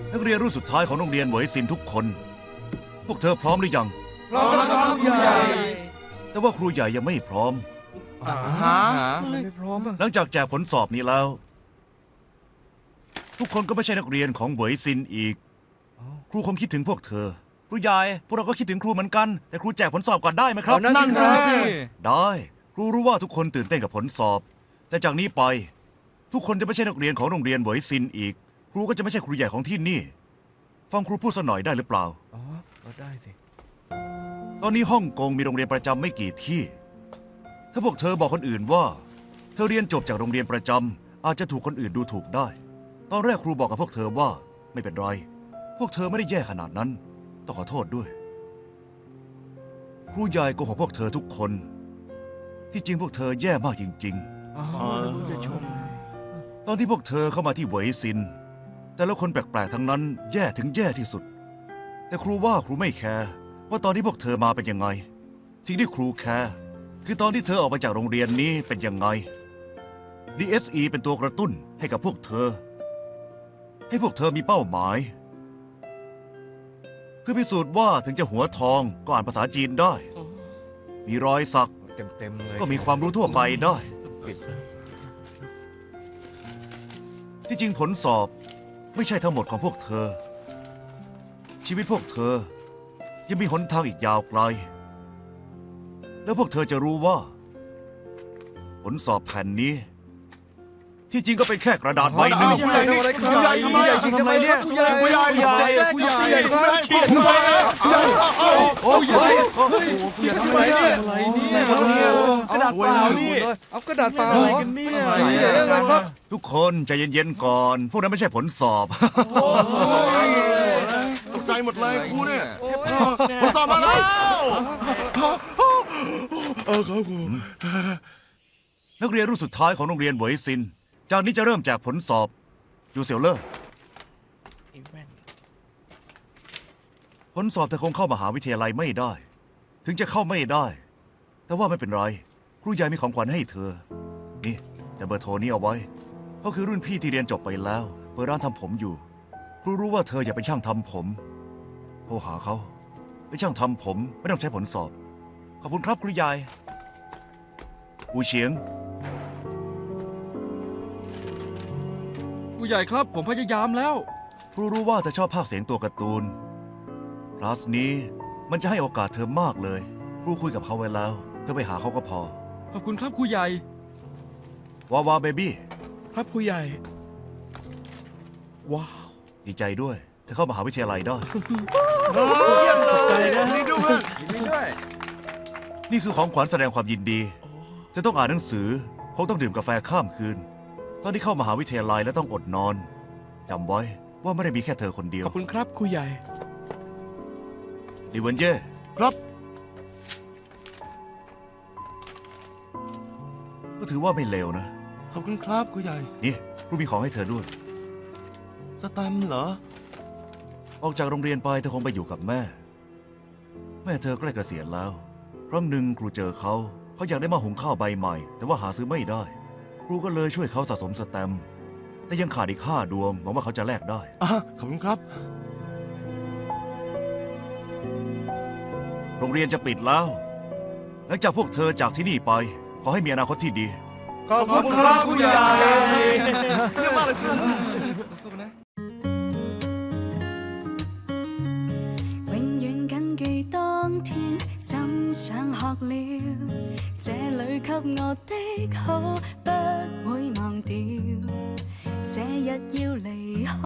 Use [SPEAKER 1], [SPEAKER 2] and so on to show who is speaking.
[SPEAKER 1] นักเรียนรุ่นสุดท้ายของโรงเรียนเหวยซินทุกคนพวกเธอพร้อมหรือยัง
[SPEAKER 2] พร้อมแล้วครับครูใหญ่
[SPEAKER 1] แต่ว่าครูใหญ่ยังไม่พร้อม
[SPEAKER 2] ไม่พร้อม
[SPEAKER 1] หลังจากแจกผลสอบนี้แล้วทุกคนก็ไม่ใช่นักเรียนของเหวยซินอีกครูคงคิดถึงพวกเธอครูใหญ่พวกเราก็คิดถึงครูเหมือนกันแต่ครูแจกผลสอบก่อนได้ไหมครับ
[SPEAKER 2] นั่นสิ
[SPEAKER 1] ได้ครูรู้ว่าทุกคนตื่นเต้นกับผลสอบแต่จากนี้ไปทุกคนจะไม่ใช่นักเรียนของโรงเรียนเหวยซินอีกครูก็จะไม่ใช่ครูใหญ่ของที่นี่ฟังครูพูดสักหน่อยได้หรือเปล่า
[SPEAKER 2] ก็ได้สิ
[SPEAKER 1] ตอนนี้ฮ่องกงมีโรงเรียนประจำไม่กี่ที่ถ้าพวกเธอบอกคนอื่นว่าเธอเรียนจบจากโรงเรียนประจำอาจจะถูกคนอื่นดูถูกได้ตอนแรกครูบอกกับพวกเธอว่าไม่เป็นไรพวกเธอไม่ได้แย่ขนาดนั้นต้องขอโทษด้วยครูใหญ่โกหกพวกเธอทุกคนที่จริงพวกเธอแย่มากจริง
[SPEAKER 2] จะชม
[SPEAKER 1] ตอนที่พวกเธอเข้ามาที่เหวยซินแต่ละคนแปลกๆทั้งนั้นแย่ถึงแย่ที่สุดแต่ครูว่าครูไม่แคร์ว่าตอนที่พวกเธอมาเป็นยังไงสิ่งที่ครูแคร์คือตอนที่เธอออกมาจากโรงเรียนนี้เป็นยังไง DSE เป็นตัวกระตุ้นให้กับพวกเธอให้พวกเธอมีเป้าหมายเพื่อพิสูจน์ว่าถึงจะหัวทองก็อ่านภาษาจีนได้มีรอยสัก
[SPEAKER 2] เต็มเลย
[SPEAKER 1] ก็มีความรู้ทั่วไปได้ที่จริงผลสอบไม่ใช่ทั้งหมดของพวกเธอชีวิตพวกเธอยังมีหนทางอีกยาวไกลแล้วพวกเธอจะรู้ว่าผลสอบแผ่นนี้ที่จริงก็เป็นแค่กระดาษใบหนึ่ง
[SPEAKER 2] ผู้ใหญ่ทำอะไรครับผู้ใหญ่ทำไมเนี่ยผู้ใหญ่ฉีดทำไม
[SPEAKER 1] โอ้ย
[SPEAKER 2] ฉีดทำไมเนี่ยกระดาษเปล่านี่เอากระดาษเปล่า
[SPEAKER 3] กันเนี่ย
[SPEAKER 2] อะไรครับ
[SPEAKER 1] ทุกคนใจเย็นๆก่อนพวกนั้นไม่ใช่ผลสอบ
[SPEAKER 3] ตกใจหมดเลยครูเนี่ยผลสอบมาแล้ว
[SPEAKER 1] ครับครูนักเรียนรุ่นสุดท้ายของโรงเรียนเหวยซินจากนี้จะเริ่มแจกผลสอบยูเซียวเลอร์ผลสอบเธอคงเข้ามหาวิทยาลัยไม่ได้ถึงจะเข้าไม่ได้แต่ว่าไม่เป็นไรครูใหญ่มีของขวัญให้เธอนี่แต่เบอร์โทรนี้เอาไว้เขาคือรุ่นพี่ที่เรียนจบไปแล้วเปิดร้านทำผมอยู่ครูรู้ว่าเธออยากเป็นช่างทำผมโทรหาเขาเป็นช่างทำผมไม่ต้องใช้ผลสอบขอบคุณครับครูใหญ่อูเฉียง
[SPEAKER 3] ผู้ใหญ่ครับผมพยายามแล้ว
[SPEAKER 1] ครูรู้ว่าเธอชอบภาคเสียงตัวการ์ตูนคลาสนี้มันจะให้โอกาสเธอมากเลยครูคุยกับเขาไว้แล้วเธอไปหาเขาก็พอ
[SPEAKER 3] ขอบคุณครับครูใหญ่
[SPEAKER 1] วาวาเบบี้
[SPEAKER 3] ครับครูใหญ่ว้าว
[SPEAKER 1] ดีใจด้วยเธอเข้ามหาวิทยาลัยได้
[SPEAKER 3] เยี่ยมเลยนี่ด้วย
[SPEAKER 1] นี่คือของขวัญแสดงความยินดีเธอต้องอ่านหนังสือคงต้องดื่มกาแฟข้ามคืนตอนที่เข้ามหาวิทยาลัยและต้องอดนอนจำไว้ว่าไม่ได้มีแค่เธอคนเดียว
[SPEAKER 3] ขอบคุณครับครูใหญ่
[SPEAKER 1] ลิเวนเย่
[SPEAKER 3] ครับ
[SPEAKER 1] ก็ถือว่าไม่เลวนะ
[SPEAKER 3] ขอบคุณครับครูใหญ่
[SPEAKER 1] นี่ครูมีของให้เธอด้วย
[SPEAKER 3] สแตมป์เหรอ
[SPEAKER 1] ออกจากโรงเรียนไปเธอคงไปอยู่กับแม่เธอใกล้เกษียณแล้วครั้งหนึ่งครูเจอเขาอยากได้หม้อหุงข้าวใบใหม่แต่ว่าหาซื้อไม่ได้ครูก็เลยช่วยเขาสะสมสแตมป์แต่ยังขาดอีก5 ดวงหวังว่าเขาจะแลกได้
[SPEAKER 3] ขอบคุณครับ
[SPEAKER 1] โรงเรียนจะปิดแล้วหลังจากพวกเธอจากที่นี่ไปขอให้มีอนาคตที่ดี
[SPEAKER 2] ขอบคุณครับผู้ใหญ่
[SPEAKER 3] เยี่ยมมากเลยครับ
[SPEAKER 4] 永遠謹記當天怎想學了，這裏給我的好不會忘掉，這日要離開。